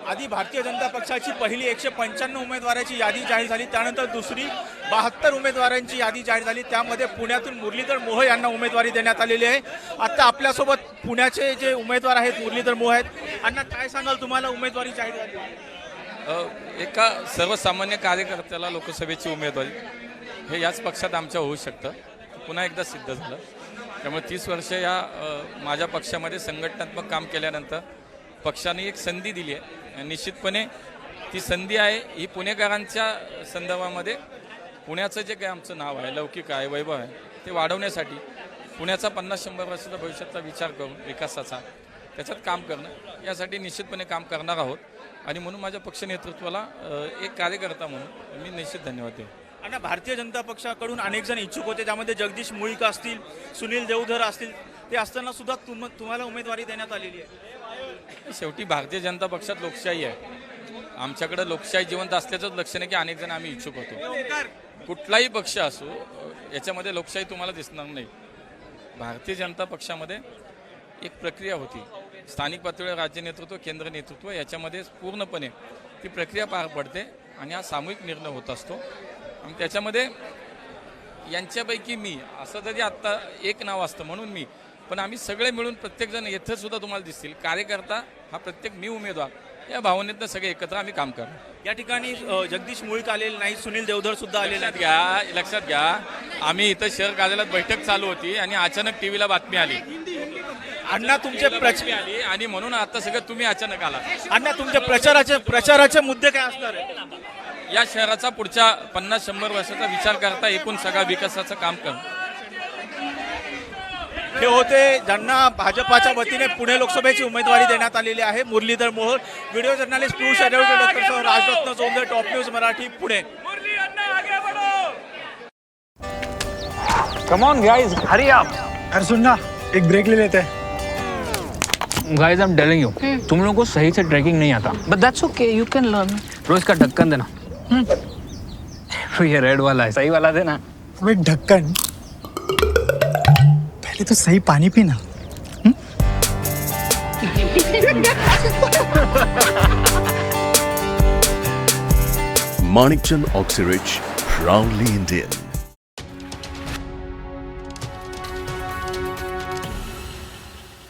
आधी भारतीय जनता पक्षाची पहिली 195 उमेदवारांची यादी जाहीर झाली, त्यानंतर दुसरी 72 उमेदवारांची यादी जाहीर झाली. त्यामध्ये पुण्यातून मुरलीधर मोहोळ यांना उमेदवारी देण्यात आलेली आहे. आता आपल्यासोबत पुण्याचे जे उमेदवार आहेत मुरलीधर मोहोळ आहेत. अण्णा, काय सांगाल, तुम्हाला उमेदवारी जाहीर झाली? एका सर्वसामान्य कार्यकर्त्याला लोकसभेची उमेदवारी हे याच पक्षात आमच्या होऊ शकतं, पुन्हा एकदा सिद्ध झालं. त्यामुळे 30 वर्ष या माझ्या पक्षामध्ये संघटनात्मक काम केल्यानंतर पक्षाने एक संधी दिली आहे. निश्चितपणे ती संधी आहे ही पुणेकरांच्या संदर्भामध्ये पुण्याचं जे काही आमचं नाव आहे, लौकिक आहे, वैभव आहे, ते वाढवण्यासाठी पुण्याचा 50-100 वर्षाचा भविष्याचा विचार करून विकासाचा त्याच्यात काम करणं यासाठी निश्चितपणे काम करणार आहोत. आणि म्हणून माझ्या पक्ष नेतृत्वाला एक कार्यकर्ता म्हणून मी निश्चित धन्यवाद देईन. आणि भारतीय जनता पक्षाकडून अनेक जण इच्छुक होते, त्यामध्ये जगदीश मुळीक असतील, सुनील देवधर असतील, ते असताना सुद्धा तुम्हाला उमेदवारी देण्यात आलेली आहे. शेवटी भारतीय जनता पक्षात लोकशाही आहे. आमच्याकडे लोकशाही जिवंत असल्याचंच लक्षण आहे की अनेक जण आम्ही इच्छुक होतो. कुठलाही पक्ष असो याच्यामध्ये लोकशाही तुम्हाला दिसणार नाही. भारतीय जनता पक्षामध्ये एक प्रक्रिया होती, स्थानिक पातळीवर राज्य नेतृत्व, केंद्र नेतृत्व, याच्यामध्ये पूर्णपणे ती प्रक्रिया पार पडते आणि हा सामूहिक निर्णय होत असतो. आणि त्याच्यामध्ये यांच्यापैकी मी असं जरी आत्ता एक नाव असतं म्हणून मी, पण आम्ही सगळे मिळून प्रत्येकजण येथे सुद्धा तुम्हाला दिसतील कार्यकर्ता हा प्रत्येक मी उमेदवार या भावनेतनं सगळे एकत्र आम्ही काम करतो. या ठिकाणी जगदीश मुळीक आलेले नाही, सुनील देवधर सुद्धा आलेले लक्षात लक्षात घ्या, आम्ही इथं शहर कार्यालयात बैठक चालू होती आणि अचानक टीव्हीला बातमी आली. अण्णा, तुमचे आली आणि म्हणून आता सगळं तुम्ही अचानक आला. अण्णा, तुमचे प्रचाराचे मुद्दे काय असणार आहे? या शहराचा पुढच्या 50-100 वर्षाचा विचार करता एकूण सगळा विकासाचं काम करणं. हे होते ज्यांना भाजपाच्या वतीने पुणे लोकसभेची उमेदवारी देण्यात आलेली आहे, Muralidhar Mohol. Video journalist Piyush doctor Rajratna Jondhale, top news Marathi, Pune. Come on guys, hurry up. अरे सुन ना, एक ब्रेक ले लेते हैं. Guys, I'm telling you, तुम लोगों को सही से ट्रैकिंग नहीं आता. But that's okay, you can learn. रोज का ढक्कन देना. तो ये रेड वाला है, सही वाला देना. अबे ढक्कन, पहले तो सही पानी पीना. Manikchand Oxyrich, proudly Indian.